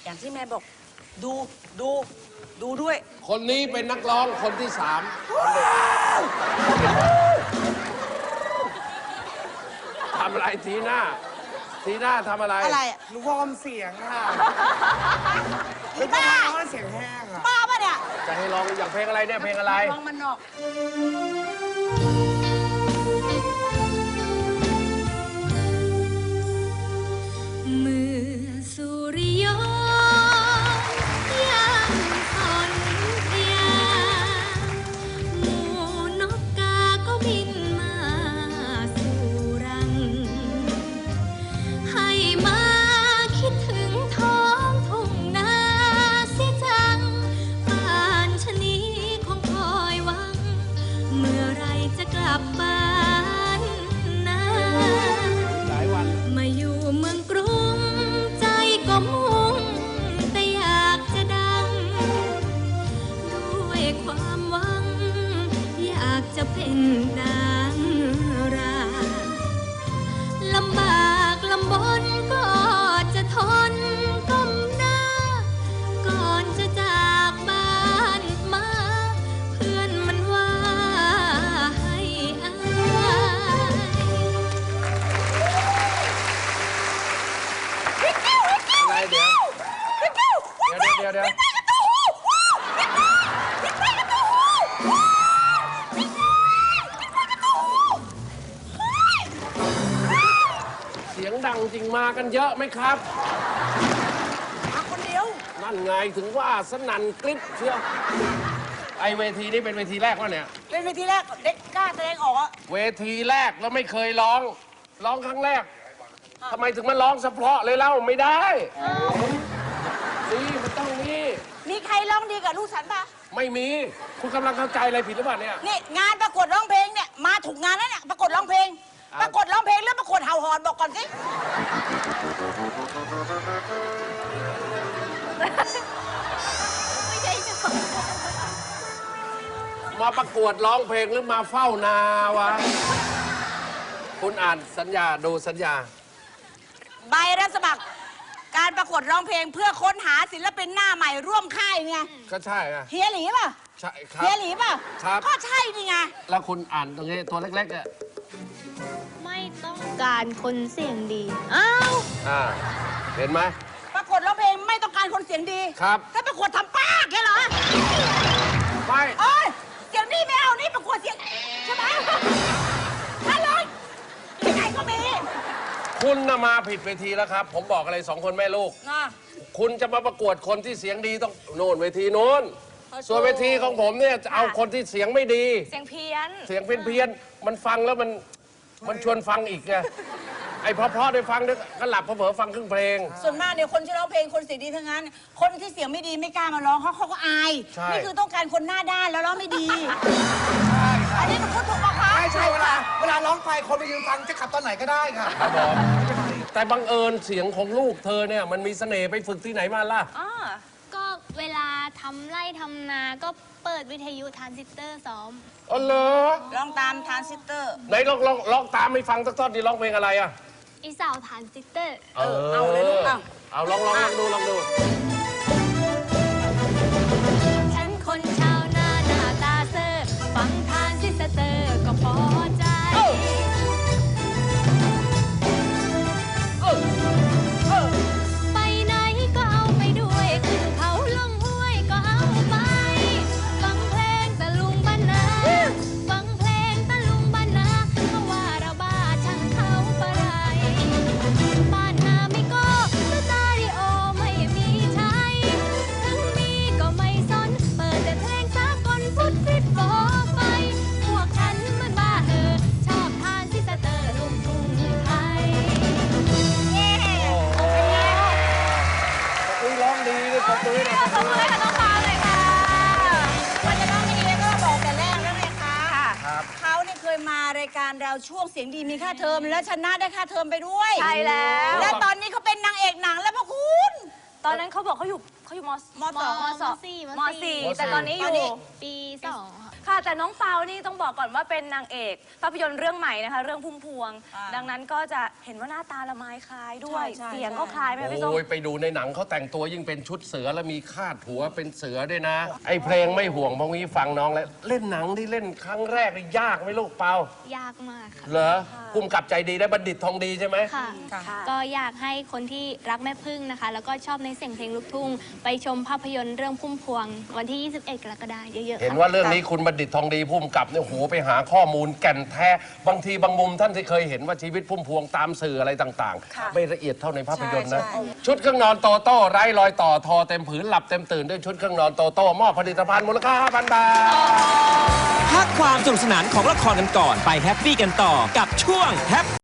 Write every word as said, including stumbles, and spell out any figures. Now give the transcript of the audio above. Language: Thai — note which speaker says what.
Speaker 1: อย่างที่แม่บอกดูดูดูด้วย
Speaker 2: คนนี้เป็นนักร้องคนที่สามทำอะไรทีหน้าทีหน้าทำอะไร
Speaker 1: อะไรอ่ะ
Speaker 3: หนูวอร์มเสียงค่ะไม่
Speaker 1: บ้า
Speaker 3: ร้องเสียงแห้งอ่ะ
Speaker 1: บ้าปะเนี่ย
Speaker 2: จะให้ร้องอย่างเพลงอะไรเนี่ยเพลงอะไร
Speaker 1: ร้องมันนอก
Speaker 4: เมื่อสุริยนต์ยังอ่อนเพลียหมู่นกกาก็บินมาสู่รังให้มาคิดถึงท้องทุ่งนาเสียจังป่านชะนี้คงคอยหวังเมื่อไรจะกลับบ้านนา
Speaker 2: หลายวัน
Speaker 4: มาอยู่เมืองกรุงใจก็มุ่งแต่อยากจะดังด้วยความหวังอยากจะเป็นดาราลำบากลำบนก็จะทนก้มหน้าก่อนจะจากบ้านมาเพื่อนมันว่าให้อาย
Speaker 2: อะไรเดี๋ยวเดี๋ยวเดี๋ยวเดี๋ยวเสียงดังจริงมากันเยอะไหมครับ
Speaker 1: มาคนเดียว
Speaker 2: นั่นไงถึงว่าสนั่นกริ๊บเชียวไอเวทีนี้เป็นเวทีแรกวะเนี่ย
Speaker 1: เป็นเวทีแรกเด็กกล้าแสดงออกอะ
Speaker 2: เวทีแรกแล้วไม่เคยร้องร้องครั้งแรกทำไมถึงมาร้องเฉพาะเลยเล่าไม่ได้นี่มันต้องนี่
Speaker 1: มีใครร้องดีกับลูกฉันปะ
Speaker 2: ไม่มีคุณกำลังเข้าใจอะไรผิดหรือเปล่าเนี่ย
Speaker 1: นี่งานประกวดร้องเพลงเนี่ยมาถูกงานแล้วเนี่ยประกวดร้องเพลงประกวดร้องเพลงหรือประกวดเห่าหอนบอกก่อนสิ
Speaker 4: ไม่ใช่จะ
Speaker 2: มาประกวดร้องเพลงหรือมาเฝ้านาวะคุณอ่านสัญญาดูสัญญา
Speaker 1: ใบรับสมัครการประกวดร้องเพลงเพื่อค้นหาศิลปินหน้าใหม่ร่วมค่ายไง
Speaker 2: ก็ใช่ไง
Speaker 1: เฮียหลีป่ะ
Speaker 2: ใช่ครับ
Speaker 1: เฮียหลีป่ะ
Speaker 2: ครับ
Speaker 1: ก็ใช่นี่ไง
Speaker 2: แล้วคุณอ่านตรงนี้ตัวเล็กๆอ่ะ
Speaker 4: ไม่ต้องการคนเสียงดีอ้าว
Speaker 2: อ่าเห็นไหม
Speaker 1: ประกวดร้องเพลงไม่ต้องการคนเสียงดี
Speaker 2: ครับ
Speaker 1: ถ้าประกวดทำป้าแค่เหรอ
Speaker 2: ไม่
Speaker 1: โอ้ยเสียงดีไม่เอานี่ประกวดเสียงใช่ไหมถ้าเลยที่ไหนก็มี
Speaker 2: คุณน่ะมาผิดเวทีแล้วครับผมบอกอะไรสองคนแม่ลูกคุณจะมาประกวดคนที่เสียงดีต้องโน่นเวทีโน้นส่วนเวทีของผมเนี่ยจะเอาคนที่เสียงไม่ดี
Speaker 4: เสียงเพี้ยน
Speaker 2: เสียงเพี้ยนเพี้ยนมันฟังแล้วมันมันชวนฟังอีกไงไอ้เพราะๆได้ฟังนึกก็หลับเผลอๆฟังครึ่งเพลง
Speaker 1: ส่วนมากเนี่ยคนที่ร้องเพลงคนเสียงดีทั้งนั้นคนที่เสียงไม่ดีไม่กล้ามาร้องเขาเขาก็อายนี่คือต้องการคนหน้าด้านแล้วร้องไม่ดีอันนี้หนูพูดถูกปะคะ
Speaker 3: ไม่ใช่เวลาเวลาร้องไปคนไปยืนฟังจะขับตอนไหนก็ได้ค่ะ
Speaker 2: ครับผมแต่บังเอิญเสียงของลูกเธอเนี่ยมันมีเสน่ห์ไปฝึกที่ไหนมาล่ะ
Speaker 4: ก็เวลาทำไร่ทำนาก็เปิดวิทยุทรานซิสเตอร์ซ้อม
Speaker 2: อ๋อเหรอ
Speaker 1: ร้องตามทรานซิสเตอร์
Speaker 2: ไหนลองลองลองตามให้ฟังสักท่อนดิร้องเพลงอะไรอ่ะ
Speaker 4: อีสาวทรานซิสเตอร์
Speaker 2: เออเอาเลยลูกเอาเอาลองลองลองดูลองดู
Speaker 4: ฉันคนชาวนาหน้าตาเซอร์ฟังทรานซิสเตอร์ก็พอใจไปไหนก็เอาไปด้วยขึ้นเขาลงห้วยก็เอาไปฟังเพลงตะลุงบ้านนาฟังเพลงตะลุงบ้านนาเขาว่าเราบ้าช่างเขาปะไรบ้านนาไม่ก็สตาริโอไม่มีใช้ถึงมีก็ไม่สนเปิดแต่เพลงสากลฟุตฟิตโฟไฟพวกฉันมันบ้าเออชอบทานซิสเตอร์ลูกทุ่งไทย
Speaker 2: อุ้ยร้องดีเลยขอบคุณนะ
Speaker 1: ขอบคุณค่ะน้องฟ้าเลยค่ะวันจะร้องดีก็บอกแต่แรกแล้วไงคะเขาเนี่ยเคยมารายการเราช่วงเสียงดีมีค่าเทอมแล้วชนะได้ค่าเทอมไปด้วย
Speaker 4: ใช่แล้ว
Speaker 1: และตอนนี้เขาเป็นนางเอกหนังแล้วพ่อคุณ
Speaker 4: ตอนนั้นเขาบอกเขาอยู่เขาอยู่มมสองมสี่มสี่แต่ตอนนี้อยู่ปีสอง
Speaker 5: ค่ะแต่น้องเปานี่ต้องบอกก่อนว่าเป็นนางเอกภาพยนตร์เรื่องใหม่นะคะเรื่องพุ่มพวง ดังนั้นก็จะเห็นว่าหน้าตาละไม้คล้ายด้วย
Speaker 1: ใช่ใช่
Speaker 5: เสียงก็คล้ายไหมคะพี่ส้ม
Speaker 2: โอ้ยไปดูในหนังเขาแต่งตัวยิ่งเป็นชุดเสือแล้วมีคาดหัวเป็นเสือด้วยนะ ไอ้เพลงไม่ห่วงพวกนี้ฟังน้องแล้วเล่นหนังที่เล่นครั้งแรกนี่ยากไหมลูกเปาย
Speaker 4: ากมากค่ะ
Speaker 2: เหรอภูมิกับใจดีได้บัณฑิตทองดีใช่ไหม
Speaker 4: ค่ะ ก็อยากให้คนที่รักแม่พึ่งนะคะ แล้วก็ชอบในเสียงเพลงลูกทุ่ง ไปชมภาพยนตร์เรื่องพุ่มพวง วันที่ ยี่สิบเอ็ด กรกฎาคมเยอะๆ
Speaker 2: เห็น
Speaker 4: ค่ะ
Speaker 2: ว่าเรื่องนี้คุณบัณฑิตทองดีภูมิกับเนี่ยโหไปหาข้อมูลแก่นแท้บางทีบางมุมท่านที่เคยเห็นว่าชีวิตพุ่มพวงตามสื่ออะไรต่างๆ ไม่ละเอียดเท่าในภาพยนตร์นะ
Speaker 1: ใช่ใช่
Speaker 2: ชุดเครื่องนอนโตโต้ไร้รอยต่อทอเต็มผืนหลับเต็มตื่นด้วยชุดเครื่องนอนโตโต้มอบผลิตภัณฑ์มูลค่า ห้าพัน บาท
Speaker 6: พักความสนุกสนานของละครกันก่อนไปแฮปปี้กันต่อกับช่วงแฮป